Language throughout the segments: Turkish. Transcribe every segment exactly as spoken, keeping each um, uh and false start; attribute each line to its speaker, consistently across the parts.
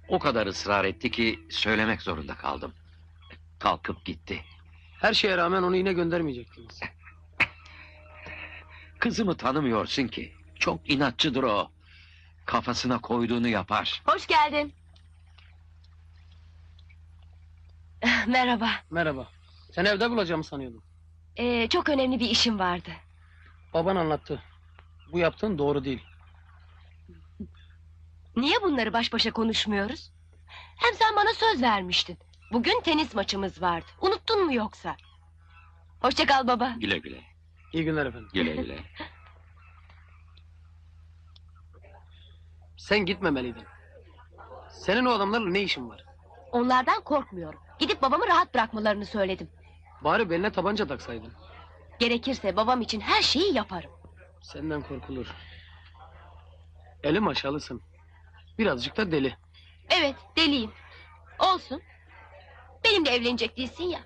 Speaker 1: O kadar ısrar etti ki söylemek zorunda kaldım. Kalkıp gitti.
Speaker 2: Her şeye rağmen onu yine göndermeyecektiniz.
Speaker 1: Kızımı tanımıyorsun ki. Çok inatçıdır o. Kafasına koyduğunu yapar.
Speaker 3: Hoş geldin. Merhaba.
Speaker 2: Merhaba. Seni evde bulacağımı sanıyordum.
Speaker 3: Ee, çok önemli bir işim vardı.
Speaker 2: Baban anlattı. Bu yaptığın doğru değil.
Speaker 3: Niye bunları baş başa konuşmuyoruz? Hem sen bana söz vermiştin. Bugün tenis maçımız vardı. Unuttun mu yoksa? Hoşça kal baba.
Speaker 1: Güle güle.
Speaker 2: İyi günler efendim.
Speaker 1: Güle güle.
Speaker 2: Sen gitmemeliydin. Senin o adamlarla ne işin var?
Speaker 3: Onlardan korkmuyorum. Gidip babamı rahat bırakmalarını söyledim.
Speaker 2: Bari beline tabanca taksaydın.
Speaker 3: Gerekirse babam için her şeyi yaparım.
Speaker 2: Senden korkulur. Elim aşağılısın. Birazcık da deli.
Speaker 3: Evet, deliyim. Olsun. Benimle evlenecek değilsin ya.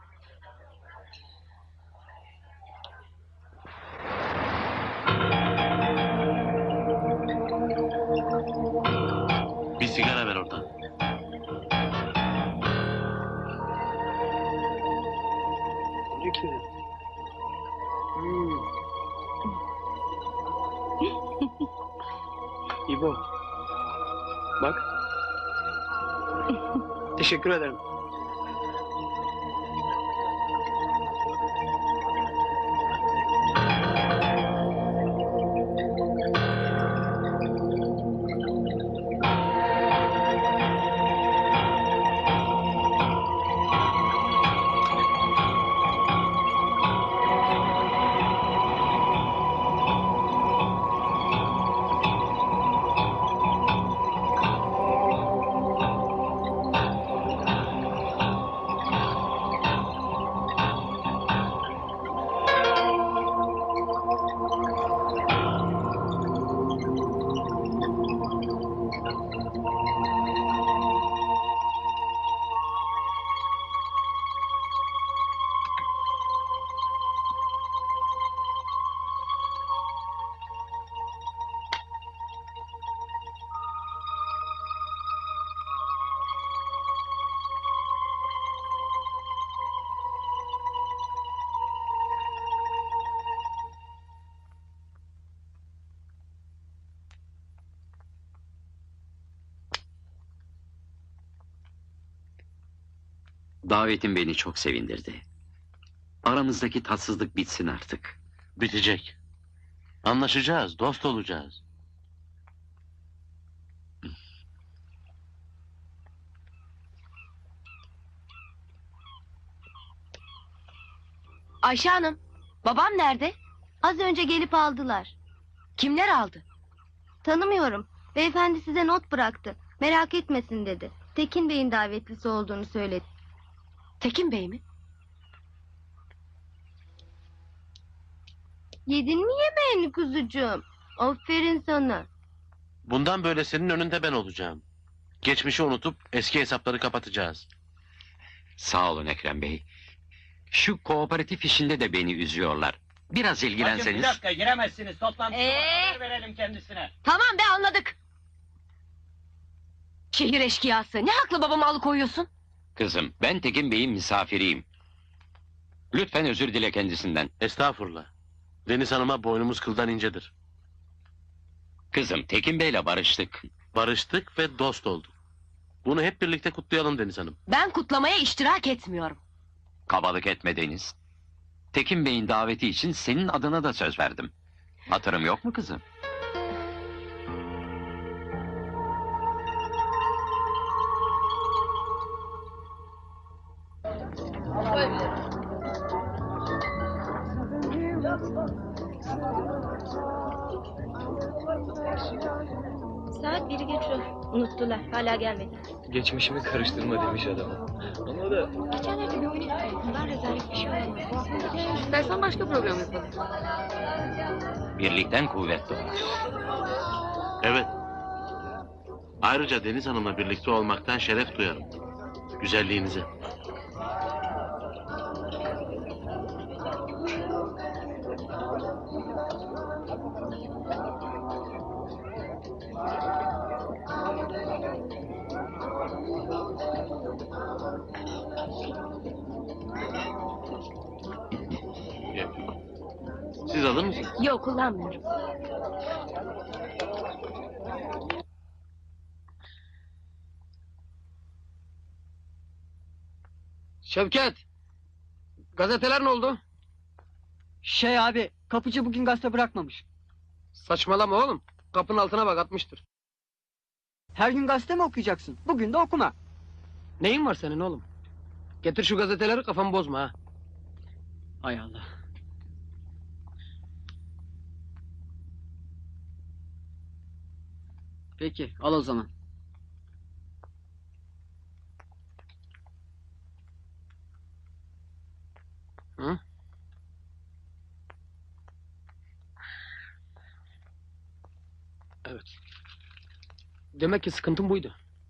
Speaker 4: Bir sigara ver oradan.
Speaker 2: Peki. Hmm. İbo. Bak. Teşekkür ederim.
Speaker 1: Davetin beni çok sevindirdi. Aramızdaki tatsızlık bitsin artık.
Speaker 4: Bitecek. Anlaşacağız, dost olacağız.
Speaker 3: Ayşe Hanım, babam nerede?
Speaker 5: Az önce gelip aldılar.
Speaker 3: Kimler aldı?
Speaker 5: Tanımıyorum. Beyefendi size not bıraktı. Merak etmesin dedi. Tekin Bey'in davetlisi olduğunu söyledi.
Speaker 3: Tekin Bey mi?
Speaker 5: Yedin mi yemeğini kuzucuğum? Aferin sana.
Speaker 4: Bundan böyle senin önünde ben olacağım. Geçmişi unutup eski hesapları kapatacağız.
Speaker 1: Sağ olun Ekrem Bey. Şu kooperatif işinde de beni üzüyorlar. Biraz
Speaker 6: Bakın
Speaker 1: ilgilenseniz.
Speaker 6: bir dakika giremezsiniz. Toplantı
Speaker 3: Ee?
Speaker 6: verelim kendisine.
Speaker 3: Tamam be, anladık. Şehir eşkıyası. Ne haklı babamı alıkoyuyorsun?
Speaker 1: Kızım, ben Tekin Bey'in misafiriyim. Lütfen özür dile kendisinden.
Speaker 4: Estağfurullah. Deniz Hanım'a boynumuz kıldan incedir.
Speaker 1: Kızım, Tekin Bey'le barıştık.
Speaker 4: Barıştık ve dost olduk. Bunu hep birlikte kutlayalım Deniz Hanım.
Speaker 3: Ben kutlamaya iştirak etmiyorum.
Speaker 1: Kabalık etme Deniz. Tekin Bey'in daveti için senin adına da söz verdim. Hatırım yok mu kızım?
Speaker 5: Saat biri geçiyor. Unuttular. Hala gelmedi.
Speaker 7: Geçmişimi karıştırma demiş adama. Ama da
Speaker 5: Geçenlerde bir oyun izledim. Bundan rezalet bir şey olmaz.
Speaker 3: İstersen başka program yapalım.
Speaker 1: Birlikten kuvvet doğar.
Speaker 4: Evet. Ayrıca Deniz Hanım'la birlikte olmaktan şeref duyarım. Güzelliğinize. Siz alır mısınız?
Speaker 3: Yok, kullanmıyorum.
Speaker 2: Şevket. Gazeteler ne oldu?
Speaker 8: Şey abi, kapıcı bugün gazete bırakmamış.
Speaker 2: Saçmalama oğlum. Kapının altına bak, atmıştır.
Speaker 8: Her gün gazete mi okuyacaksın? Bugün de okuma.
Speaker 2: Neyin var senin oğlum? Getir şu gazeteleri, kafamı bozma ha.
Speaker 8: Hay Allah. Peki, al o zaman.
Speaker 2: Hı? Evet. Demek ki sıkıntın buydu.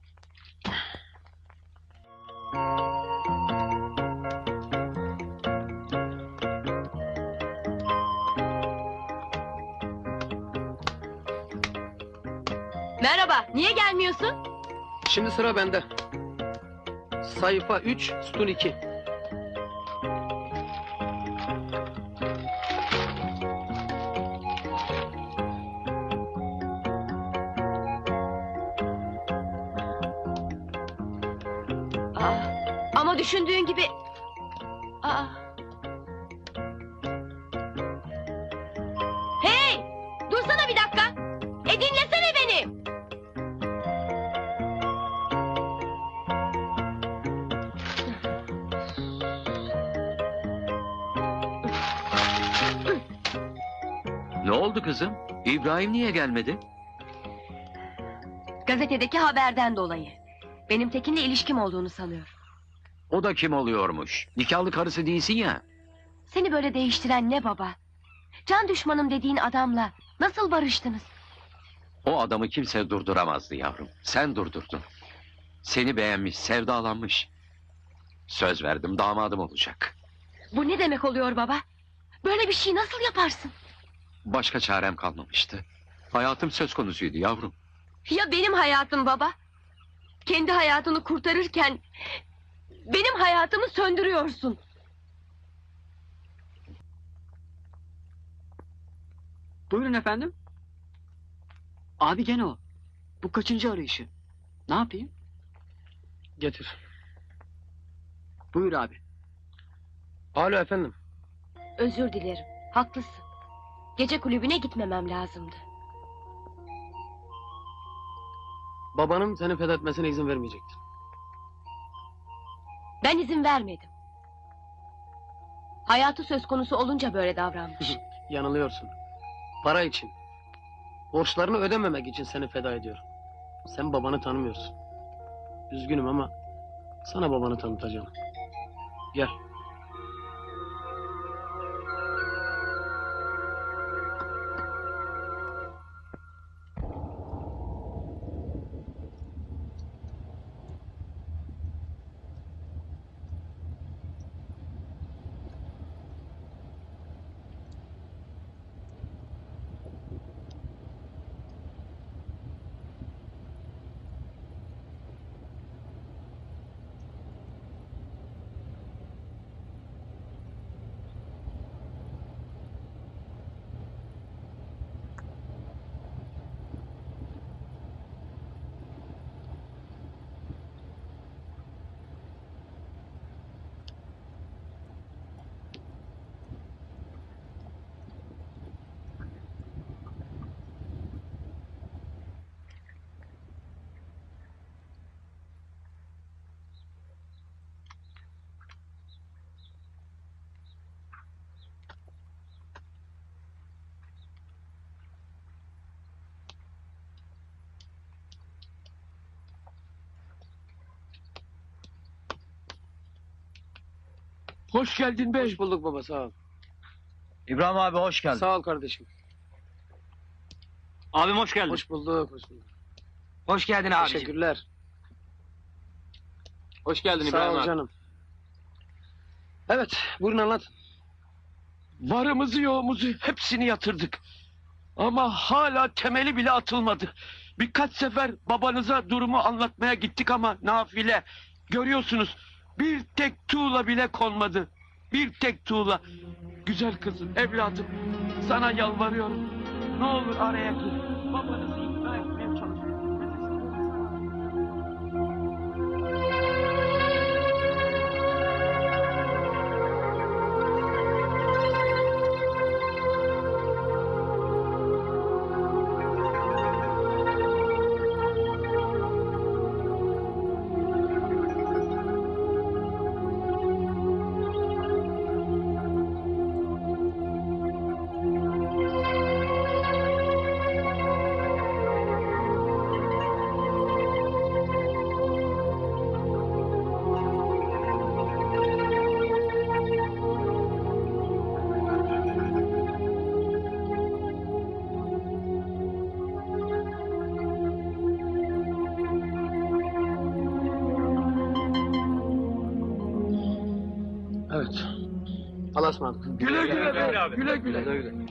Speaker 3: Merhaba, niye gelmiyorsun?
Speaker 2: Şimdi sıra bende. Sayfa üç, sütun iki.
Speaker 3: Aa, ama düşündüğün gibi... Aa. Hey! Dursana bir dakika! E dinlesene beni!
Speaker 1: Ne oldu kızım? İbrahim niye gelmedi?
Speaker 3: Gazetedeki haberden dolayı. Benim Tekin'le ilişkim olduğunu sanıyor.
Speaker 1: O da kim oluyormuş? Nikahlı karısı değilsin ya.
Speaker 3: Seni böyle değiştiren ne baba? Can düşmanım dediğin adamla nasıl barıştınız?
Speaker 1: O adamı kimse durduramazdı yavrum. Sen durdurdun. Seni beğenmiş, sevdalanmış. Söz verdim, damadım olacak.
Speaker 3: Bu ne demek oluyor baba? Böyle bir şey nasıl yaparsın?
Speaker 1: Başka çarem kalmamıştı. Hayatım söz konusuydu yavrum.
Speaker 3: Ya benim hayatım baba? Kendi hayatını kurtarırken... benim hayatımı söndürüyorsun.
Speaker 8: Buyurun efendim. Abi gene o. Bu kaçıncı arayışı? Ne yapayım?
Speaker 2: Getir.
Speaker 8: Buyur abi.
Speaker 2: Alo efendim.
Speaker 3: Özür dilerim, haklısın. Gece kulübüne gitmemem lazımdı.
Speaker 2: Babanın seni fethetmesine izin vermeyecektir.
Speaker 3: Ben izin vermedim. Hayatı söz konusu olunca böyle davranmış.
Speaker 2: Yanılıyorsun. Para için. Borçlarını ödememek için seni feda ediyorum. Sen babanı tanımıyorsun. Üzgünüm ama sana babanı tanıtacağım. Gel.
Speaker 9: Hoş geldin bey.
Speaker 2: Hoş bulduk baba, sağ ol.
Speaker 6: İbrahim abi hoş geldin.
Speaker 2: Sağ ol kardeşim.
Speaker 6: Abim hoş geldin. Hoş,
Speaker 2: Hoş bulduk, hoş bulduk.
Speaker 6: hoş geldin abi.
Speaker 2: Teşekkürler.
Speaker 4: Hoş geldin
Speaker 2: Sağ
Speaker 4: İbrahim
Speaker 2: ol
Speaker 4: abi.
Speaker 2: canım. Evet, buyurun anlat.
Speaker 9: Varımızı yoğumuzu hepsini yatırdık. Ama hala temeli bile atılmadı. Birkaç sefer babanıza durumu anlatmaya gittik ama nafile. Görüyorsunuz Bir tek tuğla bile konmadı. Bir tek tuğla. Güzel kızım, evladım. Sana yalvarıyorum. Ne olur araya gir. Babanızı ikna etmeye çalış.
Speaker 2: Evet. Allah'a ısmarladık.
Speaker 9: Güle güle be.
Speaker 6: abi.
Speaker 9: Güle güle.
Speaker 7: Güle güle.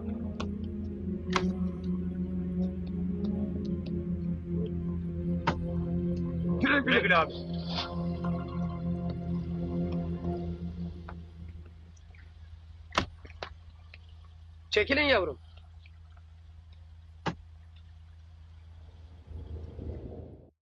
Speaker 9: Güle güle.
Speaker 6: güle abi.
Speaker 2: Çekilin yavrum.